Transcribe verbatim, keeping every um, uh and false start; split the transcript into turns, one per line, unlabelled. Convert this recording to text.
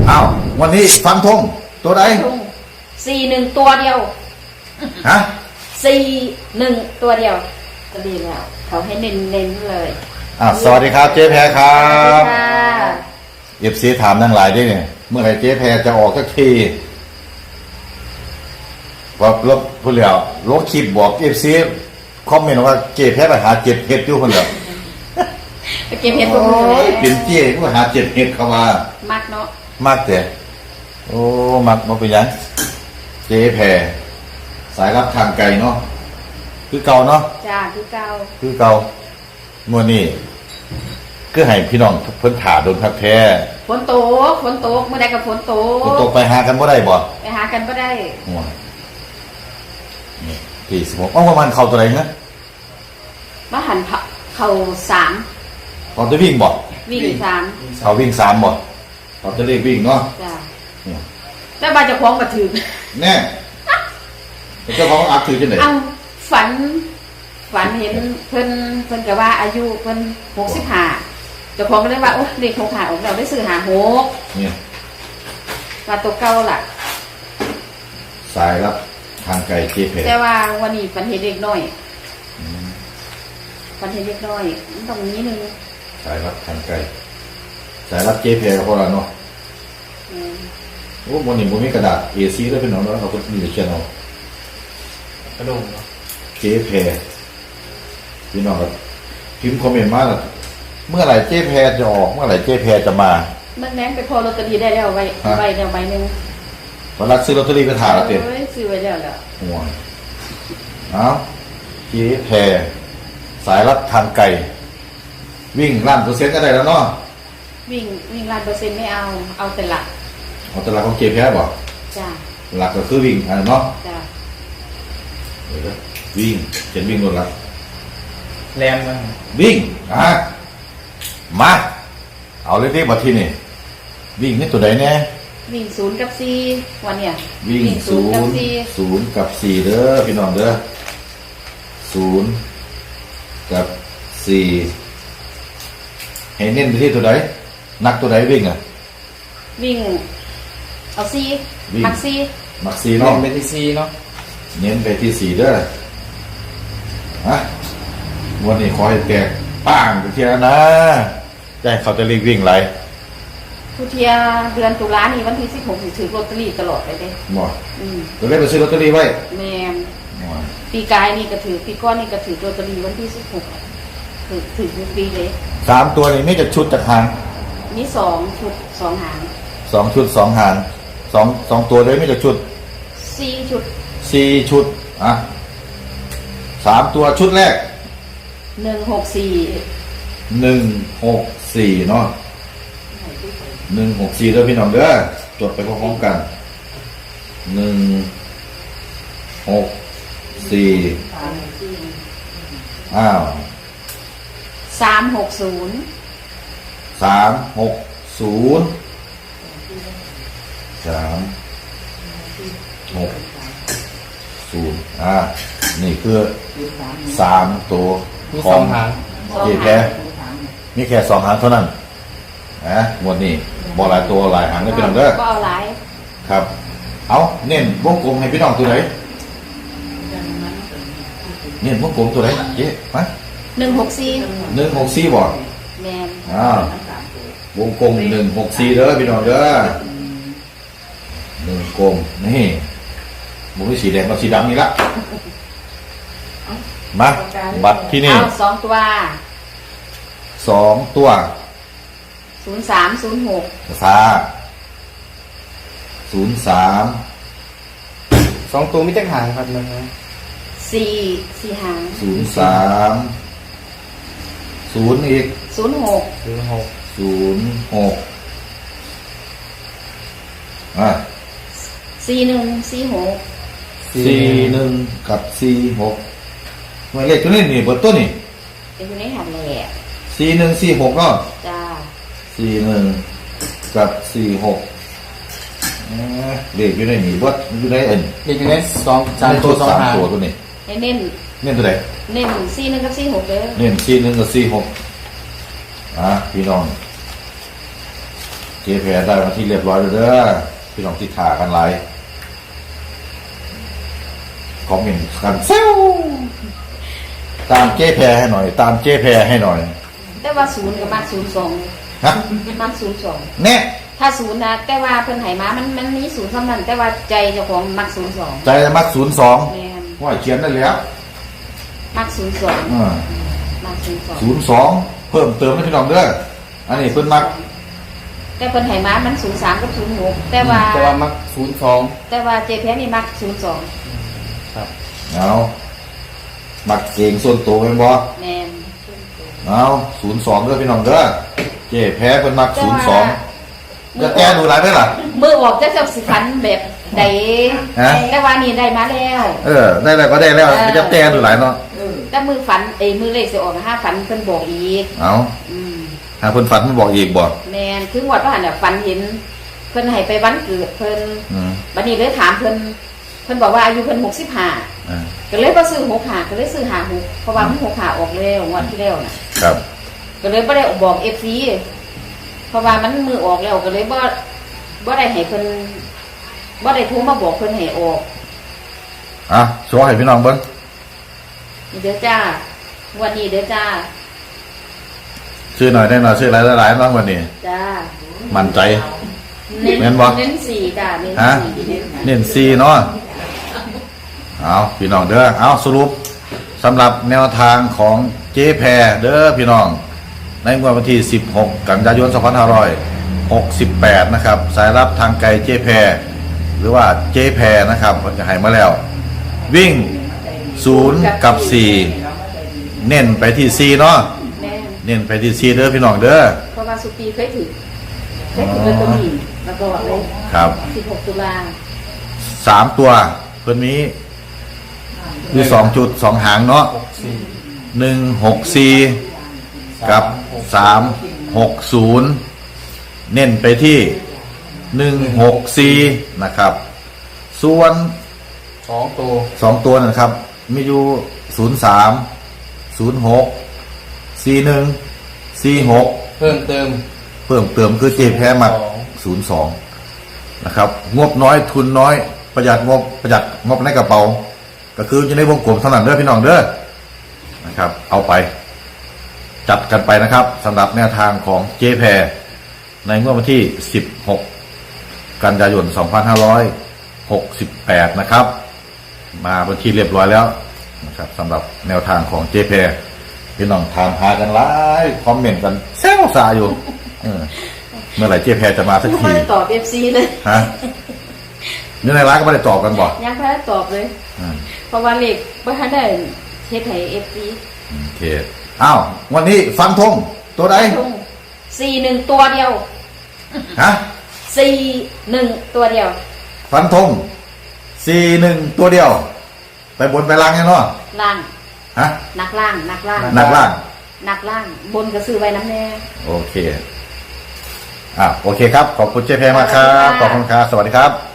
อ้าววันนี้ฟันธงตัวใด
สี่หนึ่งตัวเดียว
ฮะ
สี่หนึ่งตัวเดียวก็ดีแล้วเขาให้เน้นเน้นเลย
อ้าวสวัสดีครับเจ๊แพรครับ
ค่ะ
เอฟซีถามนั่งหลายด้วยเนี่ยเมื่อไหร่เจ๊แพรจะออกสักทีว่าลบพูดแล้วลบคลิปบอกเอฟซีคอมเมนต์ว่าเจ๊แพรไปหาเจ็บเห็ดอยู่คนเดียว
ไปเก็บเห็ดตัว
นี้เป็นเจ๊ก็หาเจ็บเห็ดเขาว่า
มักเนาะ
มักแต่โอ้มักมาเป็นยังเจ๊แพรสายรับทางไกลเนาะคือเก่าเนาะ
จ้าคือเก่า
คือเก่าเมื่อนี้ก็ให้พี่น้องเพิ่นถาโดนพักแท้
ฝนตกฝนตกเมื่อใดกับฝนตก
ฝนตกไปหากันบ่ได้บ่
ไปหากันบ่ได้
โอ้ยนี่ที่สิบหกอ้อประมาณเข้าตัวไหนนะ
มาหันเข้าสาม
เขาจะวิ่งบ่
วิ่งสาม
เขาวิ่งสามบ่เขาจะเรียกวิ่งเนาะ
จ้าแต่บาจะคล้องมาถือ
แน่เจ้าของอักถือจังได๋
เอาฝันฝันเห็นเพิ่นเพิ่นก็ว่าอายุเพิ่นหกสิบห้าเจ้าของก็เลยว่าโอ้เด็กหกห้าออกเราได้ซื้อหาหก
เนี่ย
ว่าตัวเก่าล่ะ
สายรับทางไกลเจ๊เพ
แต่ว่าวันนี้ฝันเห็นเด็กน้อยฝันเห็นเด็กน้อยตรงนี้นึง
สายรับทางไกลสายรับเจ๊เพกับพวกเราเนาะโอ้วันนี้ผมมีกระดาษ เอ ซี ด้วยเป็นน้องๆเราก็มีแต่เขียนเอา
กระดง
เจ๊แพรพี่น้องครับพิมพ์คอมเมนต์มาแล้วเมื่อไหร่เจ๊แพรจะออกเมื่อไหร่เจ๊แพรจะมา
เมื่อแม่ไปพอลอตเตอรี่ได้แล้วใบใบเดียวใบหนึ่ง
วันรักซื้อลอตเตอรี่ไปถ่ายแล้วเต็ม
ซื้อไว้แล้วแล้ว
ห่วยเอาเจ๊แพรสายรัดทางไกลวิ่งล้านเปอร์เซ็นต์ก็ได้แล้วเนาะ
วิ่งวิ่งล้านเปอร์เซ็นต์ไม่เอาเอาแต่หลัก
เอาแต่หลักของเจ๊แพรบ่
จ้า
หลักก็คือวิ่งอันเนาะ
จ้า
วิ่งเขียนวิ่งโดนละ
แรงมั้ง
วิ่งอ่ะมาเอาเลยที่บัดที่นี่วิ่งนี่ตัวไหนแน่
วิ่งศูนย์กับสี่วันเนี่ย
วิ่งศูนย์ศูนย์กับสี่เด้อพี่น้องเด้อศูนย์กับสี่เห็นเน้นไปที่ตัวไหนนักตัวไหนวิ่งอ่ะ
วิ่งเอาสี่มักสี่
มักสี่เนาะ
เป็นที่สี่เนาะ
เน้นไปที่สี่เด้อฮะวันนี้ขอให้แตกป้างไปเทียนะใจเขาจะรีบวิ่งไร
ทุเทียเดือนตุลานี่วันที่สิบหกถือลอตเตอรี่ตลอดไปเลย
หมดจะได้ไปซื้อลอตเตอรี่ไว้
แม่ปีกายนี่ก็ถือปีก้อนนี่ก็ถือลอตเตอรี่วันที่สิบหกถือถือทุกปีเลย
สามตัวนี่ไม่จะชุดจากหาง
นี่สองชุดสองหาง
สองชุดสองหางสองสองตัวเลยไม่จะชุด
สี่ชุด
สี่ชุดอ่ะสามตัวชุดแรก
หนึ่งหกสี่
หนึ่งหกสี่เนาะหนึ่งหกสี่เด้อพี่น้องเด้อจดไปพร้อมๆกันหนึ่งหกสี่อ้าว
สามหกศูนย์
สามหกศูนย์สามหกศูนย์อ่านี่คือสามตัวของเจ๊แพรมีแค่สองหางเท่านั้นนะหมดนี่บอหลายตัวหลายหางได้พี่น้องเด้อ
บ่เอาหลาย
ครับเอาเน้นวงกลมให้พี่น้องตัวไหนเน้นวงกลมตัวไหนเจ๊มา
หนึ่งหกสี่
หนึ่งหกสี่บ่
แม่น
อ่าวงกลมหนึ่งหกสี่เด้อพี่น้องเด้อหนึ่งกลมนี่มุ้งสีแดงกับสีดำนี่ละมาบัตรที่นี่
สองตัว
สองตัว
ศูนย์สามศูนย์หก
ซาศูนย์สาม
สองตัวไม่จังหางครับนะ
สี่สี่หาง
ศูนย์สามศูนย์อีก
ศูนย์หก
ศูนย์หก
ศูนย์หกอ่ะ
สี่หนึ่งสี่หก
สี่หนึ่งกับสี่หกหมายเลขตัวนี้นี่เบอร์ตัวนี่
เป็นอยู่ในหันแหล่
สี่หนึ่งสี่หกเนาะ
จ้า
สี่หนึ่งกับสี่หกเลขอยู่ในนี่วัดอยู่ในเอ็น
เลขอยู่ในสองสามตัวสองหาง
ตัวตัวนี้
เน้น
เน้นตัวไหน
เน้นสี่หนึ่งกับสี่หกเลย
เน้นสี่หนึ่งกับสี่หกอ่ะพี่น้องเจจ๊แพรได้มาที่เรียบร้อยแล้วเด้อพี่น้องที่ถ่ากันไลฟ์คอมเมนต์กันเซลตามเจ๊แพรให้หน่อย ตามเจ๊แพรให้หน่อย
แต่ว่าศูนย์กับมักศูนย์สอง
ฮะ
มักศูนย์สอง
แน่
ถ้าศูนย์นะแต่ว่าเพิ่นไหมามันมันมีศูนย์สำนันแต่ว่าใจเจ้าของมักศูนย์สอง
ใจจะมักศูนย์สอง
แม่น
ว่าเขียนได้แล้ว
มักศูนย์สอง
อ่า
มักศูนย์สอง
ศูนย์สองเพิ่มเติมให้พี่น้องเด้ออันนี้เพิ่นมัก
แต่เพิ่นไหมามันศูนย์สามกับศูนย์หกแต่ว่า
แต่ว่ามักศูนย์สอง
แต่ว่าเจแพ้นี่มักศูนย์สอง
ครับ
เอามักเก่งส่วนตัวเป็นบ่
แม่น
เอาศูนย์สองเด้อพี่น้องเด้อเจ๊แพ้เพิ่นมักศูนย์สองจะแก้ดูหลายได้ล่ะ
มือออกจะจะสิฟันแบบใด
ฮะ
แต่ว่านี่ได้มาแล้ว
เออ ได้แล้วก็ได้แล้วไม่จะแก้ดูหลายเนาะ
แต่มือฝันเอ้ยมือเลขสิออกห้าฝันเพิ่นบอกอีก
เอา
อืม
หาเพิ่นฝันมันบอกอีกบ่
แม่นคือวัดว่าหั่นน่ะฝันเห็นเพิ่นให้ไปวันเกิดเพิ่น
อืม
บัดนี้เลยถามเพิ่นเพิ่นบอกว่าอายุเพิ่นหกสิบห้า
อ่า
ก็เลยบ่ซื้อหกห้าก็เลยซื้อห้าหกเพราะว่ามันหกห้าออกแล้วงวดที่แล้วน่ะ
ครับ
ก็เลยบ่ได้บอก เอฟ ซี เพราะว่ามันมือออกแล้วก็เลยบ่บ่ได้ให้เพิ่นบ่ได้โทรมาบอกเพิ่นให้ออก
อ่ะโชว์ให้พี่น้องเบิ่ง
นี่เด้อจ้าวันนี้เด้อจ้า
ชื่อหน่อยได้หน่อยชื่อหลายหลายๆน้องวันนี้
จ้า
มั่นใจ
เน้น
แม่นบ่
เน้นสี่จ้าเน้น
ฮะ
สี่เน้น
เน้นซีเนาะเอาพี่น้องเด้อเอาสรุปสำหรับแนวทางของเจ๊แพรเด้อพี่น้อง ในงวดวันที่สิบหกกันยายนสองพันห้าร้อยหกสิบแปดนะครับ สายรับทางไกลเจ๊แพรหรือว่าเจ๊แพรนะครับมันจะให้มาแล้ว วิ่งศูนย์กับสี่เน้นไปที่ซีเนาะ
แม่น
เน้นไปที่ซีเด้อพี่น้องเด้อ
เพราะว่าสุปีเคยถือเคยถือลอตเตอรี่มาก่อนเลย
ครับ
สิบหกตุลา
สามตัวเพิ่นมีมีสองจุดสองหางเนาะ
หกสี่
หนึ่งหกสี่กับสามหกศูนย์เน้นไปที่หนึ่งหกสี่นะครับ ส่วน
สองตัว
สองตัวนะครับ มีอยู่ศูนย์สามศูนย์หกสี่หนึ่งสี่หก
เพิ่มเติม
เพิ่มเติมคือเจแพ้มักศูนย์สองนะครับ งบน้อยทุนน้อย ประหยัดงบประหยัดงบในกระเป๋า ก็คืออยู่ในวงกลมเท่านั้นเด้อพี่น้องเด้อนะครับ เอาไป จัดกันไปนะครับสำหรับแนวทางของเจแพรในงวดวันที่สิบหกกันยายนสองพันห้าร้อยหกสิบแปดนะครับ มาบันทีเรียบร้อยแล้วนะครับสำหรับแนวทางของเจแพรพี่น้องถามหากันหลายคอมเมนต์กันแซวซาอยู่เออเมื่อไหร่เจแพรจะมาสัก
ยัง
ที
ไม่ได้ตอบ เอฟ ซี เลย
ฮะนี่ในร้านก็ไม่ได้ตอบกันบ่
ยังไม่ได้ตอบเลย
อืม
เพราะว่าเลขบ่ทันได้เฮ็ดให้ เอฟ ซี
โอเคอ้าววันนี้ฟันธงตัวใด
สี่หนึ่งตัวเดียว
ฮะ
สี่หนึ่งตัวเดียว
ฟันธงสี่หนึ่งตัวเดียว ไปบนไปล่างยังเนาะ
ล่าง
ฮะ
นักล่างนักล่าง
หนักล่าง
นักล่าง บนก็ซื้อไว้น้ำแน่
โอเค อ่ะ โอเคครับ ขอบคุณเจ๊แพรมากครับ ขอบคุณครับ สวัสดีครับ